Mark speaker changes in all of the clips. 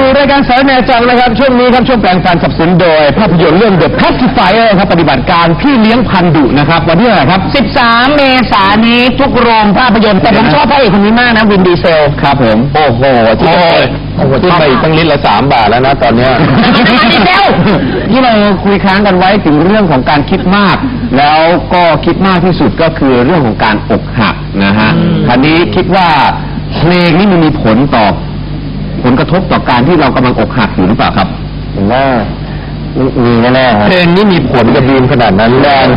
Speaker 1: รายการสารแนจังนะครับช่วงนี้ครับช่วงแปลงฟันสนับสนุนโดยภาพยนตร์เรื่อง The Pacifier ครับปฏิบัติการพี่เลี้ยงพันธุ์ดุนะครับวันที่เท่าไหร่ครับ
Speaker 2: 13 เมษายนนี้ทุกโรงภาพยนตร์แต่ผมชอบพระเอกคนนี้มากนะวินดีเซล
Speaker 1: ครับผมโอ้โหที่ไปตั้งลิตรละ3 บาทแล้วนะตอนนี้ที่เราคุยค้างกันไว้ถึงเรื่องของการคิดมากแล้วก็คิดมากที่สุดก็คือเรื่องของการอกหักนะฮะคราวนี้คิดว่าเพลงนี้มันมีผลกระทบต่อการที่เรากำลังอกหักอยู่หรือเปล่าครับผมว่ามีแน่ๆเพลงนี้มีผลกับบีมขนาดนั้นแรง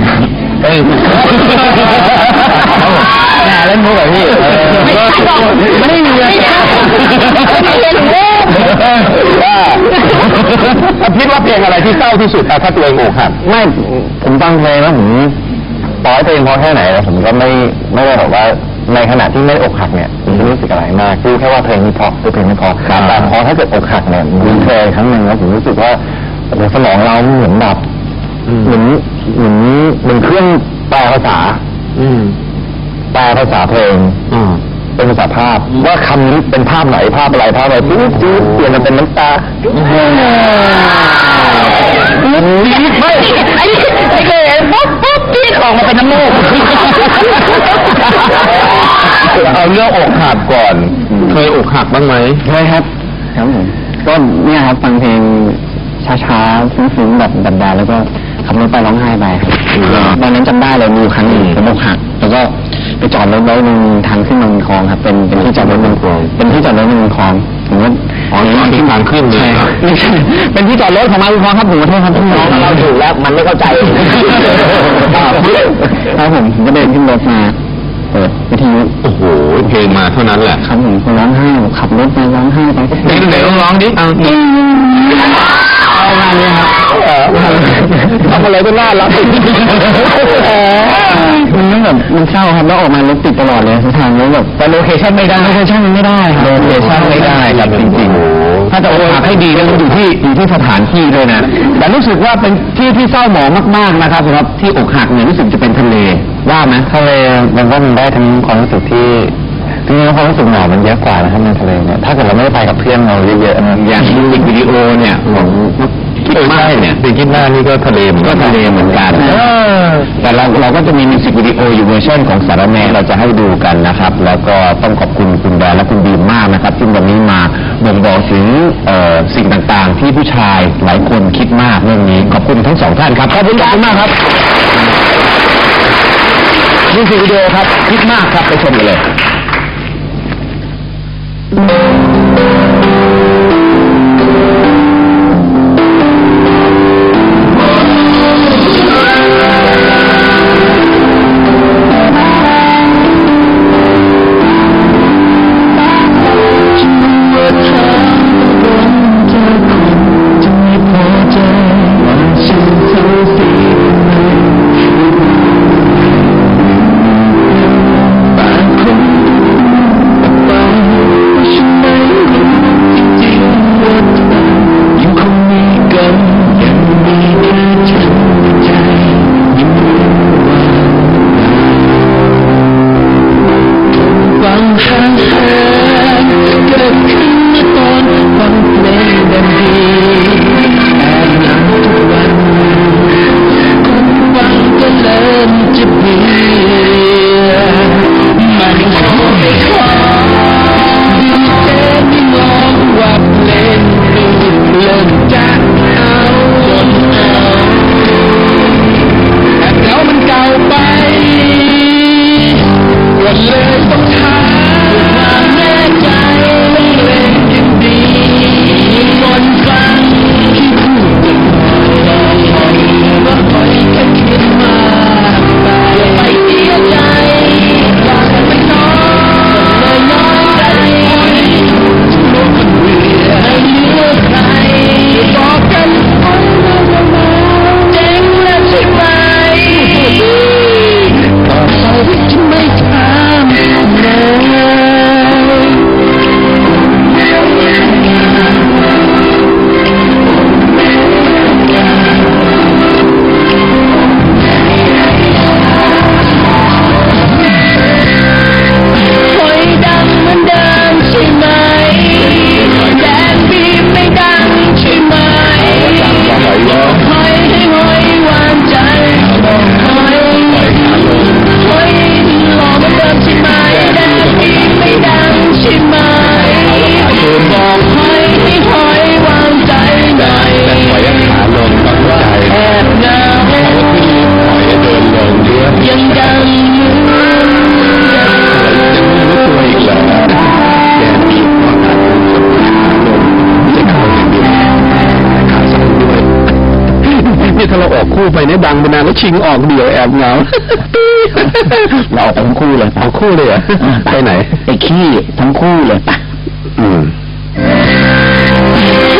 Speaker 1: แน่เล่นมุกแบบพี่ไม่ได้มีเลยคิดว่าเพลงอะไรที่เศร้าที่สุดถ้าตัวเองอกหักไม่ผมฟังเพลงแล้วผมต่อให้ตัวเองพอแค่ไหนผมก็ไม่ได้บอกว่าในขณะที่ไม่อกหักเนี่ยผมไม่รู้สึกอะไรมากคือแค่ว่าเพลงนี้เพราะคือเพลงไม่เพราะแต่พอถ้าเกิดอกหักเนี่ยผมเคยครั้งหนึ่งแล้วผมรู้สึกว่าสมองเราเหมือนแบบเหมือนเครื่องแปลภาษาเพลงเป็นภาษาภาพว่าคำนี้เป็นภาพไหนภาพอะไรปุ๊บเปลี่ยนมาเป็นน้ำตาไม่เคยเห็นปุ๊บพี่ออกมาเป็นน้ำมูกเอาเรื่องอกหักก่อนเคยอกหักบ้างไหมเคยครับผมก็เนี่ยครับฟังเพลงช้าๆซึ้งๆแบบดันๆแล้วก็ขับรถไปร้องไห้ไปตอนนั้นจำได้เลยมีครั้งหนึ่งผมอกหักแล้วก็ไปจอดรถไว้ในทางขึ้นเมืองคลองครับเป็นที่จอดรถเมืองคลองเป็นที่จอดรถเมืองคลองผมก็ที่ทางขึ้นเลยเป็นที่จอดรถของมาบุญคลองครับผมขอโทษครับพี่น้องเราถูกแล้วมันไม่เข้าใจครับผมก็เดินขึ้นรถมาเปิดวิทยุโอ้โหเพลงมาเท่านั้นแหละครับผมก็ร้องไห้ขับรถไปร้องไห้ไปไหนร้องดิเอางานนี้ครับทำอะไรก็น่ารักมันแบบมันเศร้าครับแล้วออกมารถติดตลอดเลยทางแล้วแบบแต่โลเคชั่นไม่ได้ครับจริงๆถ้าจะอกหักให้ดีแล้วมันอยู่ที่สถานที่ด้วยนะแต่รู้สึกว่าเป็นที่เศร้าหมองมากๆนะครับสำหรับที่อกหักเนี่ยรู้สึกจะเป็นทะเลว่าไหมทะเลมันก็มันได้ทั้งความรู้สึกที่จริงๆความรู้สึกหนาวมันเยอะกว่านะครับในทะเลเนี่ยถ้าเกิดเราไม่ได้ไปกับเพื่อนเราเยอะๆนะอย่างมิวสิกวิดีโอเนี่ยของคิดมากเนี่ยเป็นคิดหน้านี่ก็ทะเลเหมือนกันแต่เราก็จะมีมิวสิกวิดีโออยู่เวอร์ชันของสารแนเราจะให้ดูกันนะครับแล้วก็ต้องขอบคุณคุณแดนและคุณบีมมากนะครับที่วันนี้มาบ่งบอกถึงสิ่งต่างๆที่ผู้ชายหลายคนคิดมากเรื่องนี้ขอบคุณทั้ง2 ท่านครับขอบคุณมากครับมิวสิกวิดีโอครับคิดมากครับไปชมกันเลย
Speaker 3: คน
Speaker 1: นี้ดังไปนานแล้วชิงออกเดี่ยวแอบเหงา
Speaker 2: เราออกไปทั้งคู่เลย
Speaker 1: เอาคู่เลยเหรอไปไหน
Speaker 2: ไปขี้ทั้งคู่เลยไป
Speaker 1: อืม